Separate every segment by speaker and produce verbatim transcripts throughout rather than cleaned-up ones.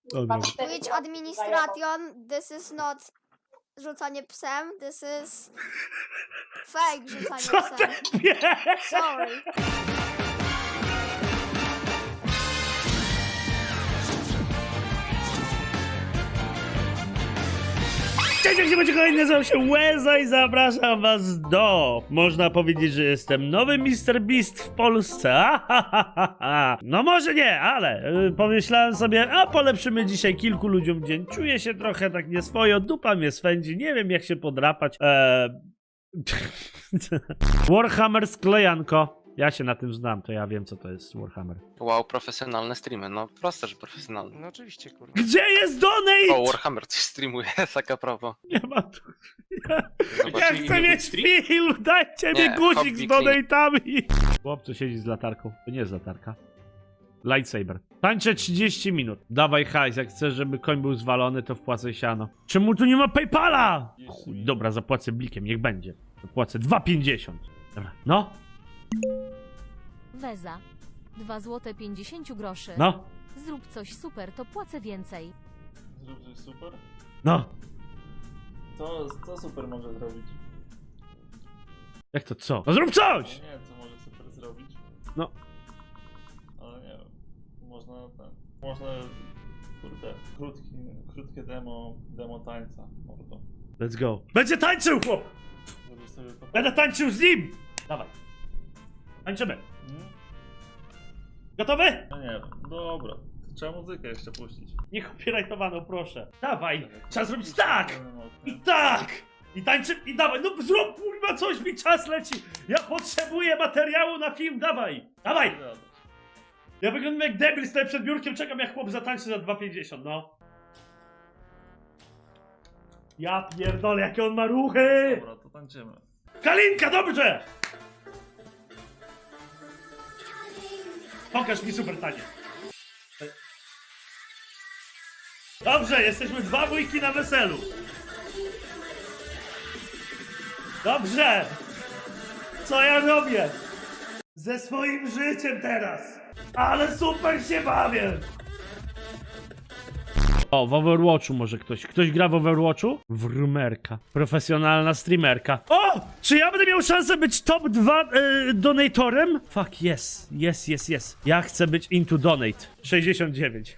Speaker 1: Dobra.
Speaker 2: Twitch administration, this is not rzucanie psem, this is fake rzucanie
Speaker 1: Co
Speaker 2: psem.
Speaker 1: ty pies?
Speaker 2: Sorry.
Speaker 1: Cześć, jak się będzie kolejny, nazywam się Łeza i zapraszam was do... Można powiedzieć, że jestem nowy mister Beast w Polsce. Ahahaha. No może nie, ale yy, pomyślałem sobie, a polepszymy dzisiaj kilku ludziom dzień. Czuję się trochę tak nieswojo, dupa mnie swędzi, nie wiem jak się podrapać. Eee... Warhammer sklejanko. Ja się na tym znam, to ja wiem co to jest Warhammer.
Speaker 3: Wow, profesjonalne streamy, no proste, że profesjonalne.
Speaker 4: No oczywiście, kurwa.
Speaker 1: Gdzie jest donate?
Speaker 3: O, Warhammer coś streamuje, taka prawo.
Speaker 1: Nie ma tu... Ja, ja
Speaker 3: Zobaczyli
Speaker 1: chcę
Speaker 3: inny
Speaker 1: mieć
Speaker 3: stream?
Speaker 1: film, dajcie
Speaker 3: Nie,
Speaker 1: mi guzik
Speaker 3: hobby
Speaker 1: z
Speaker 3: clean.
Speaker 1: donate'ami. Chłopcu siedzi z latarką, to nie jest latarka. Lightsaber. Tańczę trzydzieści minut. Dawaj hajs, jak chcesz, żeby koń był zwalony, to wpłacę siano. Czemu tu nie ma Paypala? Chuj, dobra, zapłacę blikiem, niech będzie. Zapłacę dwa pięćdziesiąt. Dobra, no,
Speaker 5: Weza. dwa złote pięćdziesiąt groszy.
Speaker 1: no,
Speaker 5: Zrób coś super, to płacę więcej.
Speaker 6: Zrób coś super?
Speaker 1: no.
Speaker 6: Co, co super może zrobić?
Speaker 1: Jak to co? No zrób
Speaker 6: No
Speaker 1: coś!
Speaker 6: nie, co może super zrobić?
Speaker 1: No.
Speaker 6: Ale nie wiem. Można ten. Można. Kurde. Krótki, krótkie demo. Demo tańca. Mordo.
Speaker 1: Let's go. Będzie tańczył, chłop!
Speaker 6: Żeby sobie to.
Speaker 1: Będę tańczył z nim! Dawaj. Tańczymy.
Speaker 6: Hmm?
Speaker 1: Gotowy?
Speaker 6: No nie wiem. Dobra. Trzeba muzykę jeszcze puścić.
Speaker 1: Nie copyrightowaną, proszę. Dawaj, trzeba zrobić tak! I
Speaker 6: I
Speaker 1: tak! I tańczy, i dawaj, no zrób kurwa coś, mi czas leci! Ja potrzebuję materiału na film, dawaj! Dawaj! Ja wyglądam jak debil, stoję przed biurkiem, czekam jak chłop zatańczy za dwa pięćdziesiąt, no. Ja pierdolę, jakie on ma ruchy!
Speaker 6: Dobra, to tańczymy.
Speaker 1: Kalinka, dobrze! Pokaż mi super tanie. Dobrze, jesteśmy dwa wujki na weselu. Dobrze! Co ja robię? Ze swoim życiem teraz! Ale super się bawię! O, w Overwatchu może ktoś. Ktoś gra w Overwatchu? Wrumerka. Profesjonalna streamerka. O! Czy ja będę miał szansę być top dwa yy, donatorem? Fuck, yes. Yes, yes, yes. Ja chcę być into donate. sześćdziesiąt dziewięć.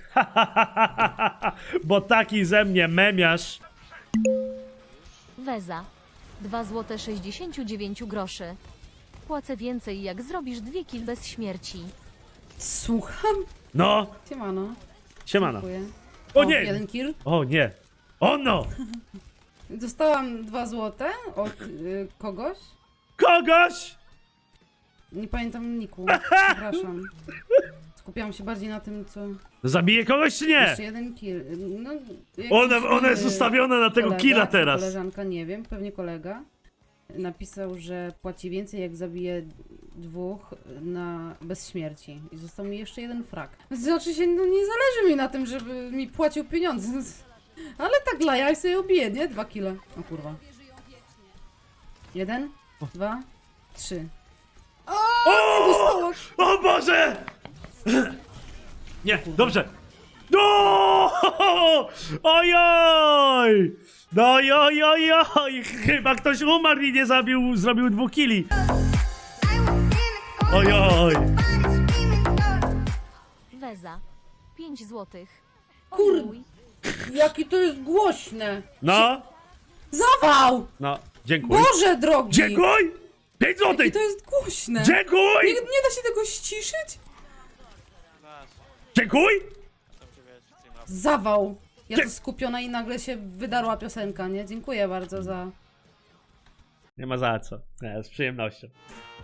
Speaker 1: Bo taki ze mnie memiarz.
Speaker 5: Weza. dwa złote sześćdziesiąt dziewięć groszy. Płacę więcej, jak zrobisz dwie kill bez śmierci.
Speaker 7: Słucham?
Speaker 1: No,
Speaker 7: Siemano.
Speaker 1: siemano.
Speaker 7: Dziękuję.
Speaker 1: O
Speaker 7: O,
Speaker 1: nie!
Speaker 7: jeden kill.
Speaker 1: O nie! O no!
Speaker 7: Dostałam dwa złote od y, kogoś.
Speaker 1: Kogoś!
Speaker 7: Nie pamiętam niku. Przepraszam. Skupiałam się bardziej na tym, co...
Speaker 1: Zabije kogoś czy nie?
Speaker 7: Jeszcze jeden kill. No, jakiś,
Speaker 1: Ona, ona jest
Speaker 7: y,
Speaker 1: ustawiona na tego
Speaker 7: kolega,
Speaker 1: killa
Speaker 7: czy
Speaker 1: teraz.
Speaker 7: Koleżanka, nie wiem, pewnie kolega. Napisał, że płaci więcej, jak zabije dwóch na bez śmierci. I został mi jeszcze jeden frak. Znaczy się, no nie zależy mi na tym, żeby mi płacił pieniądze. Ale tak dla jaj sobie obiję, nie? Dwa kile. O kurwa. Jeden, dwa, trzy.
Speaker 1: O! O Boże! Nie, dobrze. No! Ojoj! No oj, oj, oj! Chyba ktoś umarł i nie zabił, zrobił dwóch kili. Ojoj!
Speaker 5: Weza. pięć złotych.
Speaker 7: Kur-
Speaker 5: Ojej.
Speaker 7: Jakie to jest głośne!
Speaker 1: No,
Speaker 7: Zawał!
Speaker 1: no, dziękuję.
Speaker 7: Boże drogi!
Speaker 1: Dziękuj! Pięć
Speaker 7: Jakie
Speaker 1: złotych!
Speaker 7: to jest głośne! Nie,
Speaker 1: Dziękuj!
Speaker 7: nie da się tego ściszyć?
Speaker 1: Dziękuj!
Speaker 7: Zawał! Ja
Speaker 1: Dzie-
Speaker 7: tu skupiona i nagle się wydarła piosenka, nie? Dziękuję bardzo za...
Speaker 1: Nie ma za co. Nie, z przyjemnością.